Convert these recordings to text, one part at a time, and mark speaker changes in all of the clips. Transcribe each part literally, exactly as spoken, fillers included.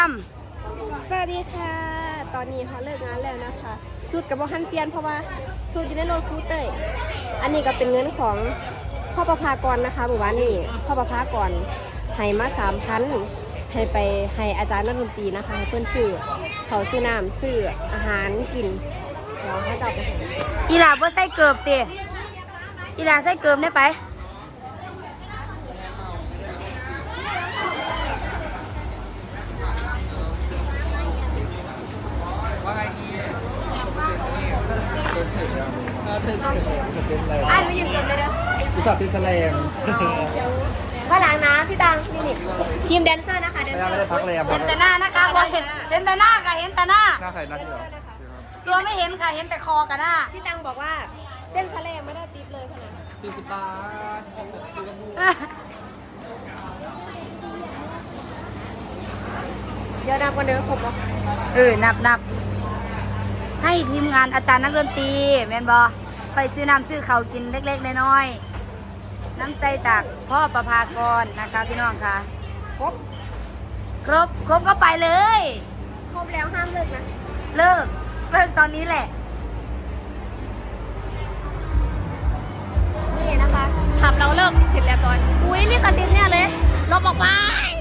Speaker 1: สวัสดีค่ะตอนนี้เขาเลิกงานแล้วนะคะสูตรกับบ่ฮันเปลี่ยนเพราะว่าสูตรอยู่ในรถครูเต้ยอันนี้ก็เป็นเงินของพ่อประภากรนะคะหมู่บ้านนี้พ่อประภากรให้มาสามพันให้ไปให้อาจารย์นักดนตรีนะคะให้เพื่อนซื้อเขาซื้อน้ำซื้ออาหารกินเดี๋ยวเขาจะเอาไปให้
Speaker 2: อีหลาบ่ใส่เกือบติอีหลาใส่เกือบได้ไปอ่ะหนูยืมเกือบเลยเด้อ
Speaker 3: อุตส่าห์ติดแสลง
Speaker 1: ข้างหลังนะพี่ตังนี่นี่ทีมแดนเซอร์นะคะแดน
Speaker 3: ไม่
Speaker 1: เซอ
Speaker 3: ได้
Speaker 1: ร์
Speaker 3: พักเลยอ่ะ
Speaker 2: เห็นแต่หน้านะคะบ่เห็นเห็นแต่หน้าค่ะเห็นแต่หน้า
Speaker 3: หน้าใครหน้าที่เหรอ
Speaker 2: ตัวไม่เห็นค่ะเห็นแต่คอกับหน้า
Speaker 1: พี่ตังบอกว่าเต้นทะเลไม่ได้ติ๊บเลยค่ะนะ
Speaker 3: สี่สิบบาท
Speaker 1: เดี๋ยวนับกันเด้อครบแล้ว
Speaker 2: เออนับนับให้ทีมงานอาจารย์นักดนตรีแม่นบอไปซื้อน้ำซื้อเขาวกินเล็กๆน้อยๆน้ำใจจากพ่อประภากรนะคะพี่น้องค่ะ
Speaker 1: ครบ
Speaker 2: ครบครบก็ไปเลย
Speaker 1: ครบแล้วห้ามเลิกนะ
Speaker 2: เลิกเลิกตอนนี้แหละ
Speaker 1: นี่นะคะขับเราเลิกเสร็จแล้วก่อนอุ้ยเรียกกระตินเนี่ยเลยลบออกไป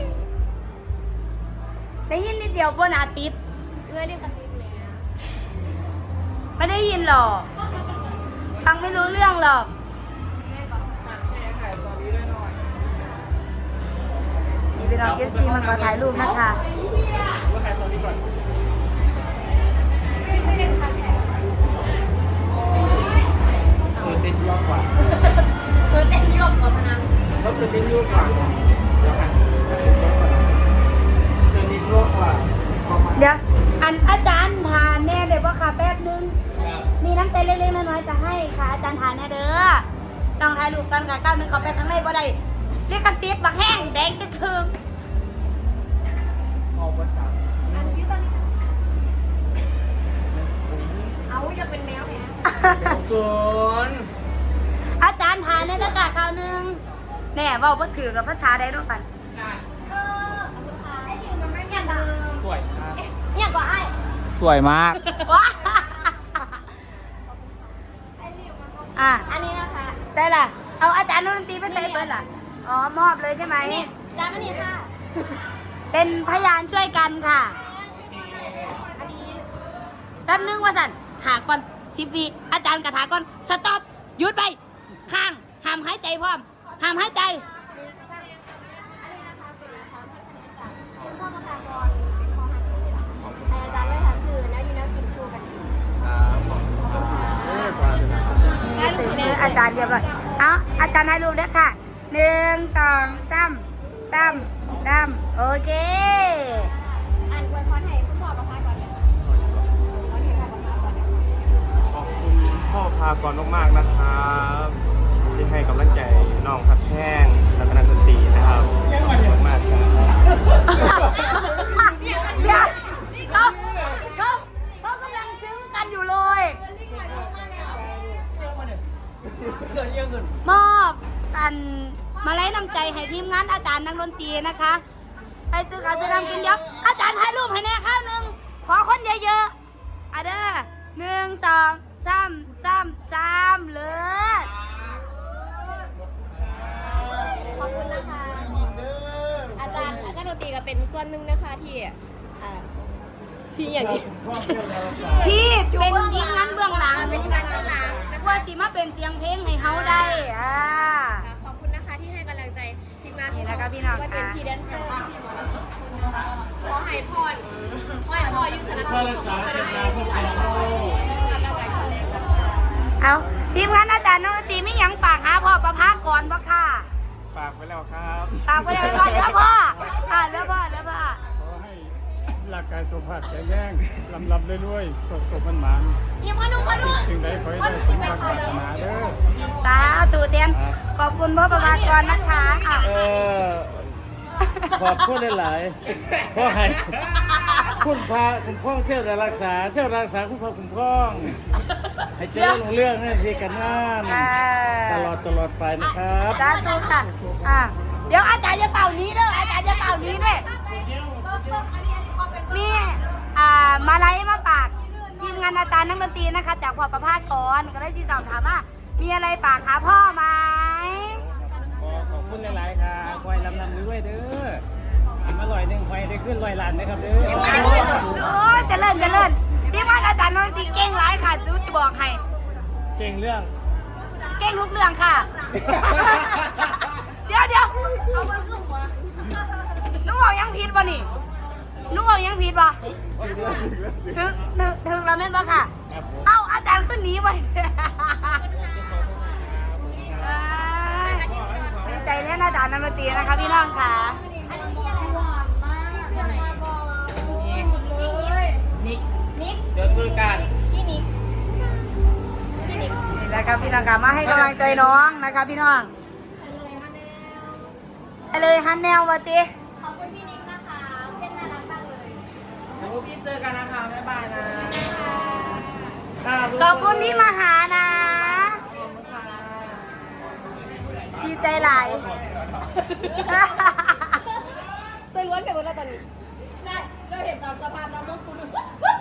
Speaker 2: ได้ยินนิดเดียวบนอาทิตย์
Speaker 1: เอ้ยเรียกกระตินเนี่ย
Speaker 2: ไม่ได้ยินหรอกฟังไม่รู้เรื่องหรอกนี่เป็นน้องเอฟซีมาขอถ่ายรูปนะคะ
Speaker 3: คือติดยั่วกว่า
Speaker 1: เธอเต้นยกกว่าพนัง
Speaker 3: ก็คือติดยั่วกว่าเดี๋ยวกันคือติดยั่วกว่า
Speaker 2: เดี๋ยวอันอาจารย์ทานแน่เดี๋ยวว่าค่ะแป๊บนึงมีน้ำใจเล็กๆน้อยๆจะให้ค่ะอาจารย์ทานแน่เด้อต้องถ่ายรูปกันค่ะก้าวหนึ่งเขาไปข้างในบ่ได้เรียกกระซิบบักแห้งแดงจะคืน
Speaker 3: ออกวันจันทร์
Speaker 1: อันที่ตอนนี้เอาจะเป็นแมวเนี่ย
Speaker 3: เกิน
Speaker 2: อาจารย์ทานแน่เด้อค่ะข้าวหนึ่งแน่เว่าบ่ถือกับภาษาใดด้วยกัน
Speaker 1: ไอ้ลิงมันไม่เหมือนเดิม
Speaker 3: สวยมาก
Speaker 1: เนี่ยกว่าไอ้
Speaker 3: สวยมาก
Speaker 2: ว้าอ่ะ
Speaker 1: อันนี้นะคะ
Speaker 2: ใช่ล่ะเอาอาจารย์ดนตรีไปใส่เบิร์ดล่ะอ๋อมอบเลยใช่ไหม
Speaker 1: จานอันนี้ค่ะ
Speaker 2: เป็นพยานช่วยกันค่ะ
Speaker 1: อันนี้
Speaker 2: แป๊บนึงว่าสันถาก่อนสิบวิอาจารย์กระถาก่อนสต็อปหยุดไปข้างห้ามหายใจพร้อมห้ามหายใจ
Speaker 1: อันนี้นะคะเป็นนะคะเป็นพ่อประภากรเป็นพ่อหันเลยล่ะให้อาจารย์ไว้ถามคือแนวยูแนวกินคู่กัน
Speaker 2: นี่คืออาจารย์เรียบร้อยเอาอาจารย์ให้รูปด้วยค่ะหนึ่งสองสามสามสามโอเค
Speaker 1: อ่านอวยพรให้คุณพ่อประภากรเนี่ยขอให้พ่อประภากรเนี่ย
Speaker 3: ขอบคุณพ่อพากรมากๆนะครับที่ให้กำลังใจน้องพัดแท่งและคณะดนตรีนะครับขอบคุณมากครับ
Speaker 2: เดี๋ยวเขาเขาเขากำลังซึ้งกันอยู่เลยมอบกันมาไล่น้ำใจให้ทีมงานอาจารย์นักดนตรีนะคะให้ซื้อการซื้อน้ำกินเยอะอาจารย์ถ่ายรูปให้แน่ข้าวหนึ่งขอคนเยอะๆอ่ะเด้อหนึ่งสองสามสามสามเลย
Speaker 1: ขอบคุณนะคะ อาจารย์อาจารย์ดนตรีก็เป็นส่วนหนึ่งนะคะที่อ่าที่อย่างนี้
Speaker 2: ที่เป็นทีมงานเบื้องหลัง
Speaker 1: เป็นการเบื้องหลังนะคะ
Speaker 2: ว่าสิมาเป็นเสียงเพลงให้เฮาได้อ่า
Speaker 1: ขอบคุณนะคะที่ให้กำลังใจทีมงาน
Speaker 2: นี่นะคะพี่น้อง
Speaker 1: ว่าเป็น
Speaker 2: ค่ะ
Speaker 1: พี่แดนเซอร์พี่หมอลำทุกคนนะคะขอให้พรขอให้พ่ออยู่สนับสนุนของคนไทยที่หลายคนแล้วกันคนเล็กนะคะ
Speaker 2: เอาทีมงานอาจารย์นักดนตรีไม่ยังปากหาพ่อประภากรบ่ค่ะ
Speaker 3: ฝากไปแล้วครับ
Speaker 2: ปากไปเลยว่าเดี๋ยวพ่ออ่าเดี๋ยวพ่อเดี๋ยวพ่อ
Speaker 4: ขอให้ร่างกายสุขภาพแข็งแรงลำลำเรื่อยๆโชคโชคมันหมาน
Speaker 1: ยังพ่อนุ่มพ่อนุ่ม
Speaker 4: สิ่งใดขอให้ได้สมความปรารถนาเด้อ
Speaker 2: สาธุเตียนขอบคุณพ่อประภากรนะคะอ่ะ
Speaker 5: เออขอบคุณหลายๆเพราะให้คุณพาคุณพ่องเที่ยวแต่รักษาเที่ยวรักษาคุณพ่อคุณพ่องให้เจริญรุ่งเรื่องให้ทีกันงาน
Speaker 2: อ่า
Speaker 5: ตลอดตลอดไปนะครับ
Speaker 2: สาธุค่ะอ่ะเดี๋ยวอาจารย์จะเป่านี้เด้ออาจารย์จะเป่านี้เด้อมาไล่มาฝากทีมงานอาจารย์นักดนตรีนะคะ จากพ่อประภาสก่อนก็เลยที่สอบถามว่ามีอะไรฝากหาพ่อไหม
Speaker 4: ขอขอบคุณหลายๆค่ะคอยลำลำด้วยเด้อกินมาลอยหนึ่งคอยได้ขึ้นลอยล้านนะครับเด้อ
Speaker 2: โอ้ยเจะเลิ่นจะเลิ่นทีมงานอาจารย์นักดนตรีเก่งหลายค่ะดูสิบอกให้
Speaker 4: เก่งเรื่อง
Speaker 2: เก่งทุกเรื่องค่ะ เดี๋ยวเดี๋ยวเอามันขึ้นหัวนุ่งเอายังผิดป่ะนี่นุ่งเอายังผิดป่ะถึงถึงถึงเราเม่นป่ะค่ะ เอ้าอาจารย์ขึ้นหนีไปดีใจแน่อาจารย์นักดนตรีนะคะพี่น้องค่ะนิกนิก
Speaker 5: เดี๋ยวซื้อกัน
Speaker 2: นี่แหละครับพี่น้องค่ะมาให้กำลังใจน้องนะคะพี่น้องไปเลยฮันแนววะติ
Speaker 1: ขอบคุณพี่นิกนะคะเป็นน่ารักมากเลย
Speaker 5: เดี๋ยวพี่เจอกันนะคะบ๊ายบายนะ
Speaker 2: ขอบคุณที่มาหานะ ดีใจหลาย
Speaker 1: สวยล้วนไปหมดแล้วตอนนี้
Speaker 2: ได้เราเห็นตามสะพานน้ำมันกูดู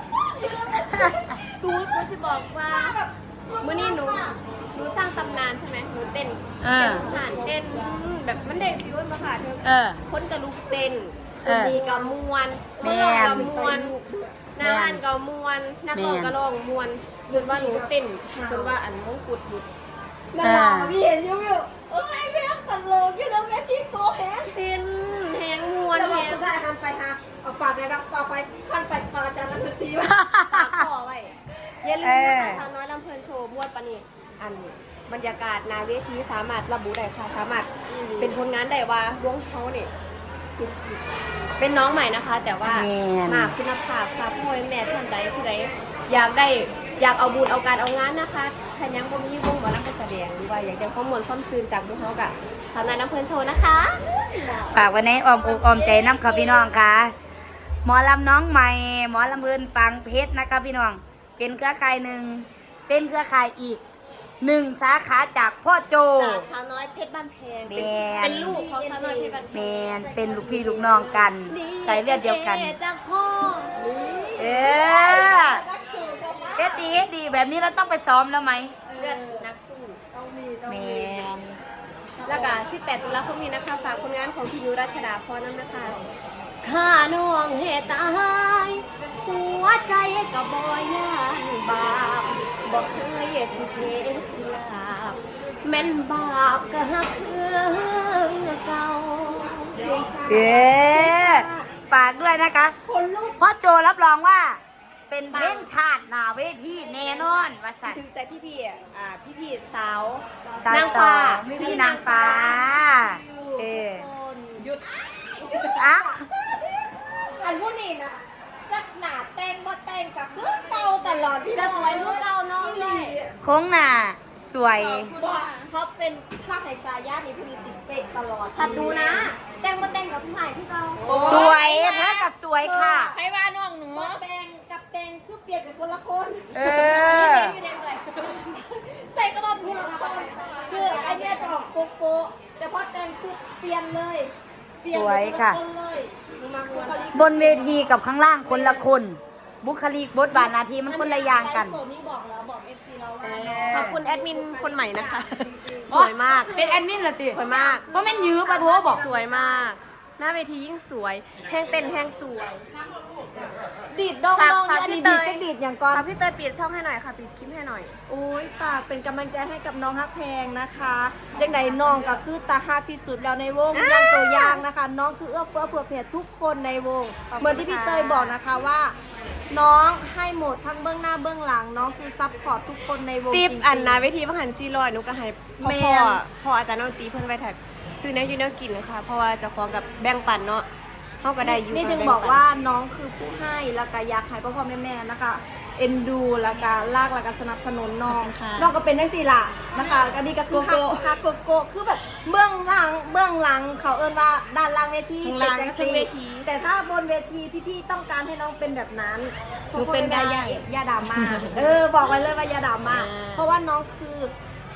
Speaker 1: กูกูจะบอกว่าเมื่อนี้หนูหนูสร้างตำนานใช่ไหมหนูเต้น
Speaker 2: เออ
Speaker 1: เต้นผ่านเต้นแบบมันเด็กฟิวมาค่ะเธอ
Speaker 2: เออ
Speaker 1: คนกระลุกเต้น
Speaker 2: เออ
Speaker 1: มีกระมวล
Speaker 2: แม่น
Speaker 1: กระมวลหน้าอ่านกระมวลนักร้องกระร้องมวลจนว่าหนูเต้นจนว่าอันมงกุฎหยุด
Speaker 2: นั่นแหละพี่เห็นอยู่
Speaker 1: เอ้ยแม่ขันโลกอยู่แล้วแม่ที่โกแฮงเต้นแหงมวล
Speaker 6: แล้ว
Speaker 1: แห
Speaker 6: บอก
Speaker 1: ง
Speaker 6: สุดท้ายหันไปฮะเอาฝากเลยครับฝากไปหันไปพาอาจารย์นักดนตรีว่า
Speaker 1: ปากคอไว้อย่าลืมนะคะสาวน้อยลำเพลินโชว์มวดปะนี่อันบรรยากาศหนาเวทีสามารถระบุได้ค่ะสามารถเป็นผลงานได้ว่าวงเขาเนี่ยสุดๆเป็นน้องใหม่นะคะ แต่ว่า
Speaker 2: แม่น
Speaker 1: มาคุณภาพค่ะพ่อแม่ท่านใดที่ใดอยากได้อยากเอาบุญเอาการเอางานนะคะถ้ายังบ่มีวงหมอลำไปแสดงหรือว่าอยากได้ข้อมูลความซื่นจากพวกเขากับสาวน้อยลำเพลินโชว์นะคะ
Speaker 2: ฝากไว้ในอ้อมอกอ้อมใจน้ำค่ะพี่น้องค่ะ หมอลำน้องใหม่ หมอลำเบินปังเพชรนะคะพี่น้อง เป็นเครือข่ายหนึ่ง เป็นเครือข่ายอีกหนึ่งสาขาจากพ่อโจ
Speaker 1: จากสาวน้อยเพชรบ้านแพงเป็น
Speaker 2: แม่น
Speaker 1: เป็นลูกของสาวน้อยเพชรบ้านแพ
Speaker 2: แม
Speaker 1: ง
Speaker 2: นเป็นลูกพี่ลูกน้องกัน ใส่เลือดเดียวกัน
Speaker 1: จากพ่อ
Speaker 2: เออเอ็ดดีเอ็ดดีแบบนี้เราต้องไปซ้อมแล้วไหม
Speaker 1: เลือดนักสู้
Speaker 2: แมน
Speaker 1: แล้วก็สิบแปดตุลาคมนี้นะคะฝากผลงานของพี่ยุรัชดาพรน้ำนะคะข้าน้องเหตุตายหัวใจกับบอยย่านบาปบอกเคยสิเทสิลาบแม่นบาปก็หักเครื่องเก่า
Speaker 2: เอ๊ฝากด้วยนะคะพ่อโจรับรองว่า เป็นเพลงชาติหนาเวทีแน่นอนว่าสัน
Speaker 1: ถึงใจพี่พี่ๆอ่าพี่พี่ๆสาว
Speaker 2: สาวน
Speaker 1: างฟ้า
Speaker 2: ไม่มีนางฟ้า เออ
Speaker 1: หยุด
Speaker 2: อ่ะ
Speaker 6: อันผู้นี้นะจักหนาเต้นบ่เต้นกับคือเก่าตลอดพี่
Speaker 1: จะ
Speaker 6: น้อง
Speaker 1: สวยรู้เก่าน้องเลย
Speaker 2: โค้งหน้าสวย
Speaker 6: ว่าเขาเป็นภาคไฮซายานี่พี่สิบเป๊ะตลอด
Speaker 1: ผัดดูนะ แต่งมาแต่งกับพี่ใหม่พี่เก่า
Speaker 2: สวยเธอกับสวยค่ะ
Speaker 1: ใครว่าน้องหนู
Speaker 6: บ่แต่งกับแต่งคือเปลี่ยนเป็นคนละคน
Speaker 2: เออ
Speaker 6: ใส่กระบอกผู้ละคนคือไอเนี้ยจะออกโกโก้แต่พอแต่งปุ๊บเปลี่ยนเลยเปลี่ยน
Speaker 2: สวยค่ะ
Speaker 6: เป็นนละนเลยมาบุคลิก
Speaker 2: บนเวทีกับข้างล่างคนละคน บุคลิกบทบาทหนาทีมันคนละอย่างกัน
Speaker 6: ไลฟ์สดนี่บอกแล้วบอกเอฟซีเราว่า
Speaker 1: ขอบคุณแอดมินคนใหม่นะคะ สวยมาก
Speaker 2: เป็นแอดมินเหรอติ
Speaker 1: สวยมาก
Speaker 2: เพราะแม่นยื้อปะโทบอก
Speaker 1: สวยมาก หน้าเวทียิ่งสวยแห้งเต้นแห้งสวย
Speaker 6: ดีดดอง
Speaker 1: ฝาก
Speaker 6: ดอง
Speaker 1: ฝาก
Speaker 6: อันนี้
Speaker 1: พี่
Speaker 6: ดี
Speaker 1: เต
Speaker 6: ด
Speaker 1: ย
Speaker 6: ก็ดีดอย่างก่อน
Speaker 1: ค่ะพี่เตยปิดช่องให้หน่อยค่ะปิดคลิปให้หน่อย
Speaker 6: โอ้ยฝากเป็นกำลังใจให้กับน้องฮักแพงนะคะยังไงน้องก็คือตาฮักที่สุดแล้วในวงยังตัวอย่างนะคะ น้องคือเอื้อเฟื้อเผื่อแผ่ทุกคนในวง
Speaker 1: ขอบคุณ
Speaker 6: เหมือนที่พี่
Speaker 1: ค่ะ
Speaker 6: เตยบอกนะคะว่า น้องให้หมดทั้งเบื้องหน้าเบื้องหลัง น้องคือซัพพอร์ตทุกคนในวง
Speaker 1: ติป
Speaker 6: จริงๆ
Speaker 1: อันนาเวทีบังหันซีลอยหนูก็ให้พ่อ
Speaker 6: แม่
Speaker 1: พ่อน พ่ออาจารย์ดนตรีเพิ่นไว้แท็กซื้อแนวอยูแนวกินนะคะเพราะว่าเจะคล้าของกับแบ่งปันเนาะเขาก็ได้อยู่
Speaker 6: นี่ถึง
Speaker 1: แปั
Speaker 6: บอกว่าน้องคือผู้ให้แล้วก็อยากให้พ่อพ่อแม่แม่นะคะ เอ็นดูแล้วก็ลากแล้วก็สนับสนุนน้องน้องก็เป็นได้สิล่ะนะคะอันนี้ก็คือฮักฮักโกโก้คือแบบเบื้องหลังเบื้องหลังเขาเอิ้นว่าด้านล่างเวที
Speaker 1: ข้างล่างก็
Speaker 6: เป็น
Speaker 1: เว
Speaker 6: จัง
Speaker 1: ที
Speaker 6: ซี่แต่ถ้าบนเวทีพี่ๆต้องการให้น้องเป็นแบบนั้น
Speaker 1: หนูเป็นได้
Speaker 6: ยาดราม่าเออบอกไว้เลยว่าอยาดราม่า
Speaker 1: อ่า
Speaker 6: เพราะว่าน้องคือ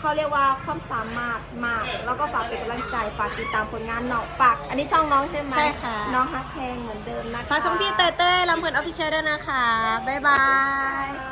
Speaker 6: เขาเรียกว่าความสามารถมาก แล้วก็ฝากเป็นกำลังใจฝากติดตามผลงานน้องฝากอันนี้ช่องน้องใช่ไหม
Speaker 1: ใช่ค่ะ
Speaker 6: น้องฮักแพงเหมือนเดิมนะคะ
Speaker 1: ฝากช่องพี่เต้ยเต้ยลำเพลินออฟฟิเชียลด้วยนะคะ บ๊ายบาย